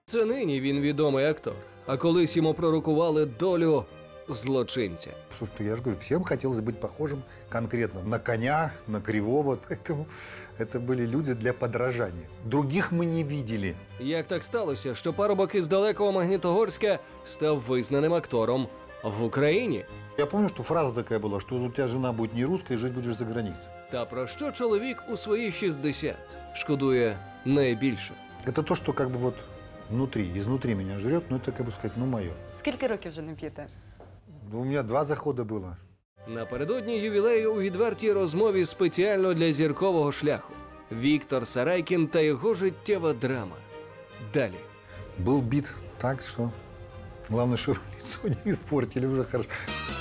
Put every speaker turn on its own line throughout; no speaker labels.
Це нині він відомий актор, а колись йому пророкували долю злочинця.
Слушайте, я же говорю, всем хотелось быть похожим конкретно на коня, на кривого, поэтому это были люди для подражания. Других мы не видели.
Як так сталося, що парубок із далекого Магнітогорська став визнаним актором в Україні?
Я помню, что фраза такая была, что у тебя жена будет не русская, жить будешь за границей.
Та про що чоловік у свої 60 шкодує найбільше?
Это то, что как бы вот внутри, изнутри меня жрет, но это, как бы сказать, ну мое.
Скільки років вже не п'єте?
У меня 2 захода было.
Напередодні ювілею у відвертій розмові спеціально для зіркового шляху. Віктор Сарайкін та його життєва драма. Далі.
Был бит так, что главное, что лицо не испортили уже хорошо.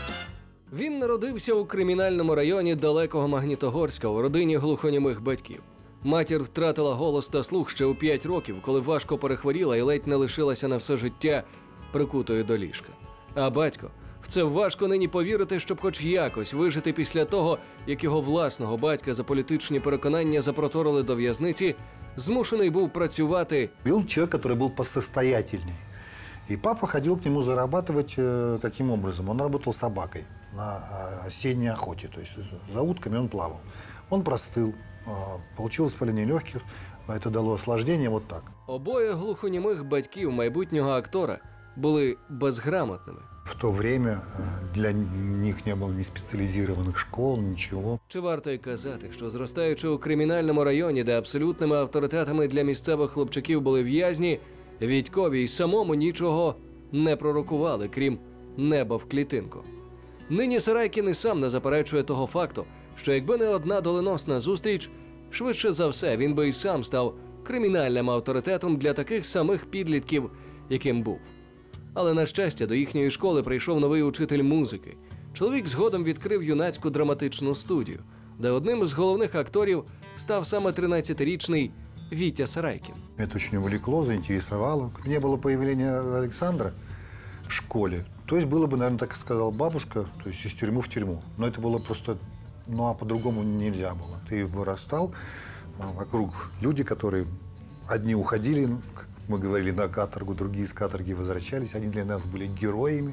Він народився у кримінальному районі далекого Магнітогорська у родині глухонімих батьків. Матір втратила голос та слух ще у 5 років, коли важко перехворіла і ледь не лишилася на все життя прикутою до ліжка. А батько, в це важко нині повірити, щоб хоч якось вижити після того, як його власного батька за політичні переконання запроторили до в'язниці, змушений був працювати.
Был человек, который был посостоятельней. И папа ходил к нему зарабатывать каким образом? Он работал собакой на осенней охоте, то есть за утками он плавал. Он простыл, получил воспаление легких, это дало осложнение вот так.
Обоє глухонімих батьків майбутнього актора були безграмотними.
В то время для них не было ни специализированных школ, ничего.
Чи варто й казати, що зростаючи у кримінальному районі, де абсолютними авторитетами для місцевих хлопчаків були в'язні, Вітькові й самому нічого не пророкували, крім неба в клітинку. Нині Сарайкін і сам не заперечує того факту, що якби не одна доленосна зустріч, швидше за все він би й сам став кримінальним авторитетом для таких самих підлітків, яким був. Але, на щастя, до їхньої школи прийшов новий учитель музики. Чоловік згодом відкрив юнацьку драматичну студію, де одним з головних акторів став саме 13-річний Вітя Сарайкін.
Это очень увлекло, заинтересовало. Не было появления Александра в школе. То есть было бы, наверное, так сказала бабушка, то есть из тюрьмы в тюрьму. Но это было просто, ну а по-другому нельзя было. Ты вырастал, вокруг люди, которые одни уходили, как мы говорили, на каторгу, другие с каторги возвращались. Они для нас были героями.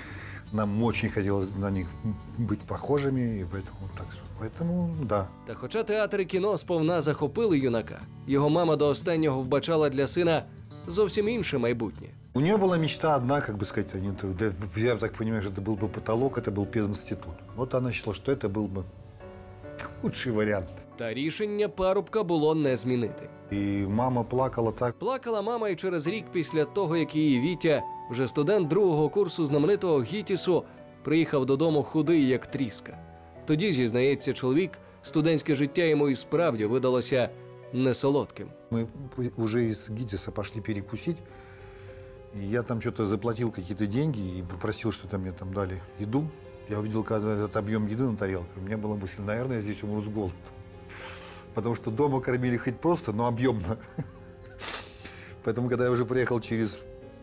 Нам очень хотелось на них быть похожими, и поэтому да.
Та хоча театр і кіно сповна захопили юнака, його мама до останнього вбачала для сина зовсім інше майбутнє.
У нее была мечта одна, как бы сказать, я так понимаю, что это был бы потолок, это был пединститут. Вот она считала, что это был бы лучший вариант.
Та рішення парубка було не змінити.
І мама плакала так.
Плакала мама і через рік після того, як її Вітя, вже студент 2-го курсу знаменитого ГІТІСу, приїхав додому худий, як тріска. Тоді, зізнається чоловік, студентське життя йому і справді видалося несолодким.
Мы уже из ГИТИСа пошли перекусить. И я там что-то заплатил какие-то деньги и попросил, что-то мне там дали еду. Я увидел, когда этот объем еды на тарелке. У меня была мысль, наверное, я здесь умру с голоду. Потому что дома кормили хоть просто, но объемно. Поэтому, когда я уже приехал через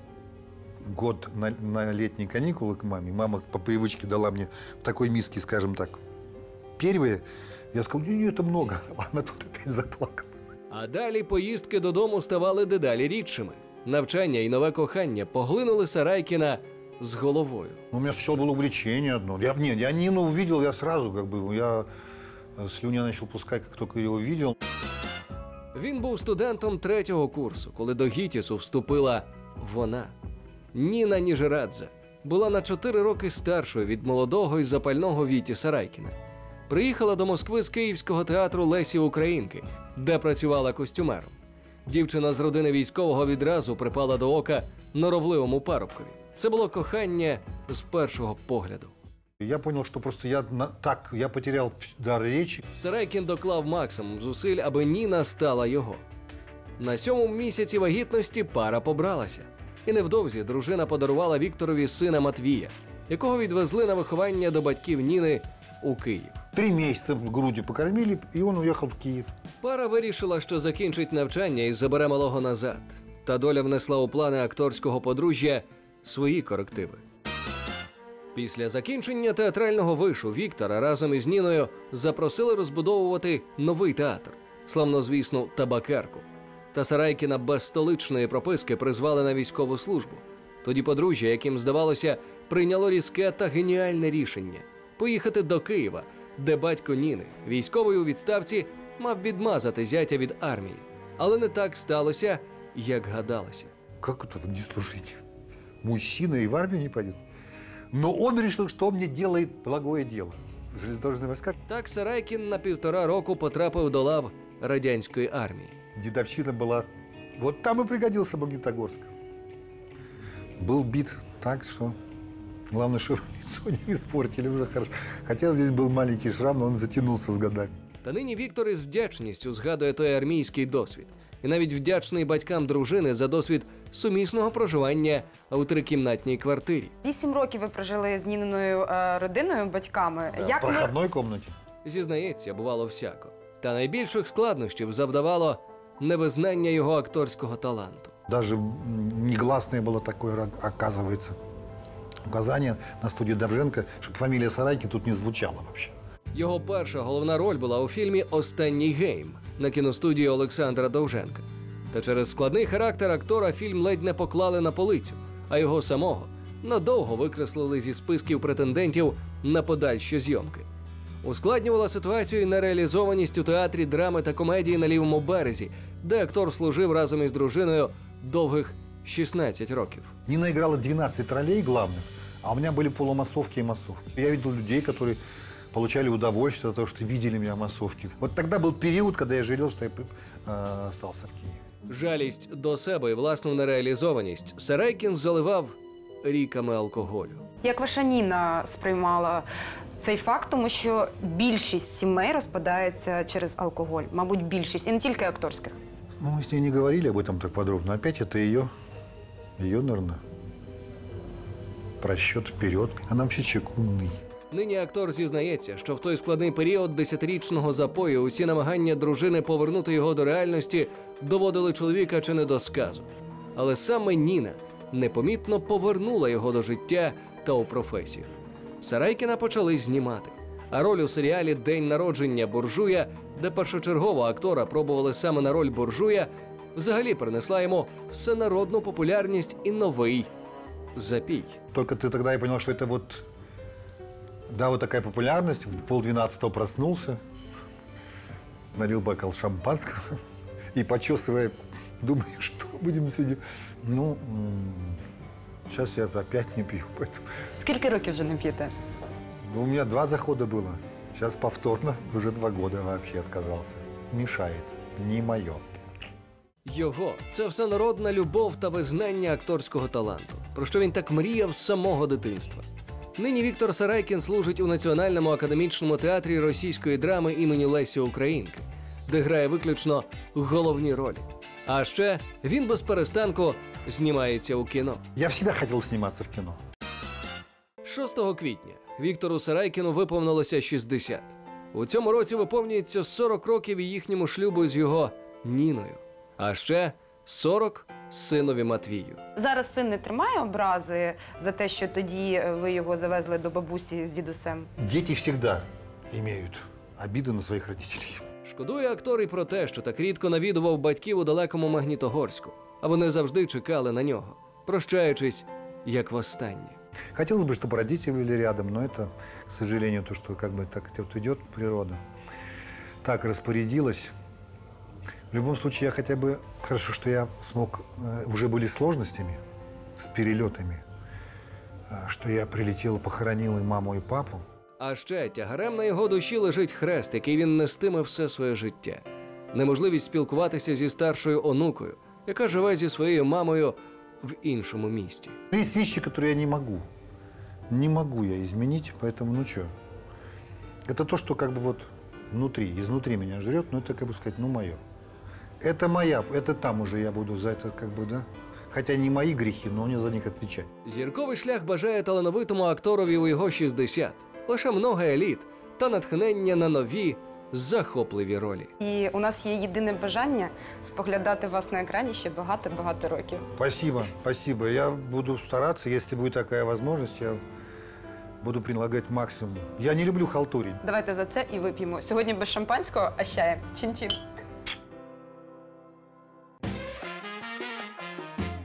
год на летние каникулы к маме, мама по привычке дала мне в такой миске, скажем так, первые. Я сказал, не, это много. Она тут опять заплакала.
А далі поїздки додому ставали дедалі рідшими. Навчання і нове кохання поглинули Сарайкіна з головою.
У меня сначала было увлечение одно. Я Нину увидел, я сразу я слюня начал пускать, как только ее увидел.
Він був студентом 3-го курсу, коли до ГІТІСу вступила вона. Ніна Ніжерадзе була на 4 роки старшою від молодого і запального Віті Сарайкіна. Приїхала до Москви з Київського театру Лесі Українки, де працювала костюмером. Дівчина з родини військового відразу припала до ока норовливому парубкові. Це було кохання з першого погляду.
Я понял, что просто я потерял дар речи.
Сарайкін доклав максимум зусиль, аби Ніна стала його. На 7-му місяці вагітності пара побралася. І невдовзі дружина подарувала Вікторові сина Матвія, якого відвезли на виховання до батьків Ніни у Київ.
3 месяца грудью покормили, и он уехал в Киев.
Пара вирішила, що закінчить навчання і забере малого назад. Та доля внесла у плани акторського подружжя свої корективи. Після закінчення театрального вишу Віктора разом із Ніною запросили розбудовувати новий театр, славнозвісну Табакерку. Та Сарайкіна без столичної прописки призвали на військову службу. Тоді подружжя, яким здавалося, прийняло різке та геніальне рішення – поїхати до Києва, де батько Ніни, військовий у відставці, мав відмазати зятя від армії. Але не так сталося, як гадалося.
Как это не служить? Мужчина и в армию не пойдет. Но он решил, что он мне делает благое дело. Железнодорожные войска.
Так Сарайкін на 1,5 року потрапив до лав радянської армії.
Дедовщина была. Вот там и пригодился Магнитогорск. Был бит так, что главное, что лицо не испортили уже хорошо. Хотя здесь был маленький шрам, но он затянулся с годами.
Та нині Віктор із вдячністю згадує той армійський досвід. І навіть вдячний батькам дружини за досвід сумісного проживання у трикімнатній квартирі.
8 років ви прожили з Ніниною родиною, батьками.
Да, в проходной комнате.
Зізнається, бувало всяко. Та найбільших складнощів завдавало невизнання його акторського таланту.
Даже негласное было такое, оказывается, указание на студии Довженко, чтобы фамилия Сарайкин тут не звучала вообще.
Його перша головна роль була у фільмі «Останній гейм» на кіностудії Олександра Довженка. Та через складний характер актора фільм ледь не поклали на полицю, а його самого надовго викреслили зі списків претендентів на подальші зйомки. Ускладнювала ситуацію і нереалізованість у театрі драми та комедії на Лівому березі, де актор служив разом із дружиною довгих 16 років.
Нина играла 12 ролей главных, а у меня были полумассовки и массовки. Я видел людей, которые получали удовольствие от того, что видели меня в массовке. Вот тогда был период, когда я жалел, что я остался в Киеве.
Жалість до себе і власну нереалізованість Сарайкін заливав ріками алкоголю.
Як ваша Ніна сприймала цей факт, тому що більшість сімей розпадається через алкоголь, мабуть, більшість, і не тільки акторських.
Ну, мы с ней не говорили об этом так подробно. Опять это ее, наверное, просчет вперед. Она вообще человек умный.
Нині актор зізнається, що в той складний період 10-річного запою усі намагання дружини повернути його до реальності доводили чоловіка чи не до сказу. Але саме Ніна непомітно повернула його до життя та у професію. Сарайкіна почали знімати, а роль у серіалі «День народження буржуя», де першочергово актора пробували саме на роль буржуя, взагалі принесла йому всенародну популярність і новий запій.
Только ты тогда и понял, что это вот, да, вот такая популярность. В 11:30 проснулся, налил бокал шампанского и, почесывая, думаю, что будем сегодня. Ну, сейчас я опять не пью, поэтому...
Скільки років вже не п'єте?
У меня 2 захода было. Сейчас повторно, уже 2 года вообще отказался. Мешает. Не мое.
Його – це всенародна любов та визнання акторського таланту, про що він так мріяв з самого дитинства. Нині Віктор Сарайкін служить у Національному академічному театрі російської драми імені Лесі Українки, де грає виключно головні ролі. А ще він без перестанку знімається у кіно.
Я всегда хотел сниматься в кино.
6 квітня Віктору Сарайкіну виповнилося 60. У цьому році виповнюється 40 років і їхньому шлюбу з його Ніною. А ще 40 синові Матвію.
Зараз син не тримає образи за те, що тоді ви його завезли до бабусі з дідусем?
Дети всегда имеют обиды на своих родителей.
Шкодує актор і про те, що так рідко навідував батьків у далекому Магнітогорську, а вони завжди чекали на нього, прощаючись, як востаннє.
Хотелось бы, чтобы родители были рядом, но это, к сожалению, то, что как бы так вот идет природа, так распорядилась. В любом случае, я хотя бы, хорошо, что я смог, уже были сложностями с перелетами, что я прилетел, похоронил и маму, и папу.
А ще тягарем на його душі лежить хрест, який він нестиме все своє життя. Неможливість спілкуватися зі старшою онукою, яка живе зі своєю мамою в іншому місті.
Есть вещи, которые я не могу. Не могу я изменить, поэтому, ну что. Это то, что как бы вот внутри, изнутри меня жрет, но это, как бы сказать, ну мое. Это моя, это там уже я буду за это, как бы, да. Хотя не мої гріхи, но мне за них відповідати.
Зірковий шлях бажає талановитому акторові у його 60. Лише много еліт та натхнення на нові, захопливі ролі.
І у нас є єдине бажання споглядати вас на екрані ще багато-багато років.
Спасибо, спасибо. Я буду стараться, если будет такая возможность, я буду прилагать максимум. Я не люблю халтурить.
Давайте за це і вип'ємо. Сьогодні без шампанського, а з чаєм. Чин-чин.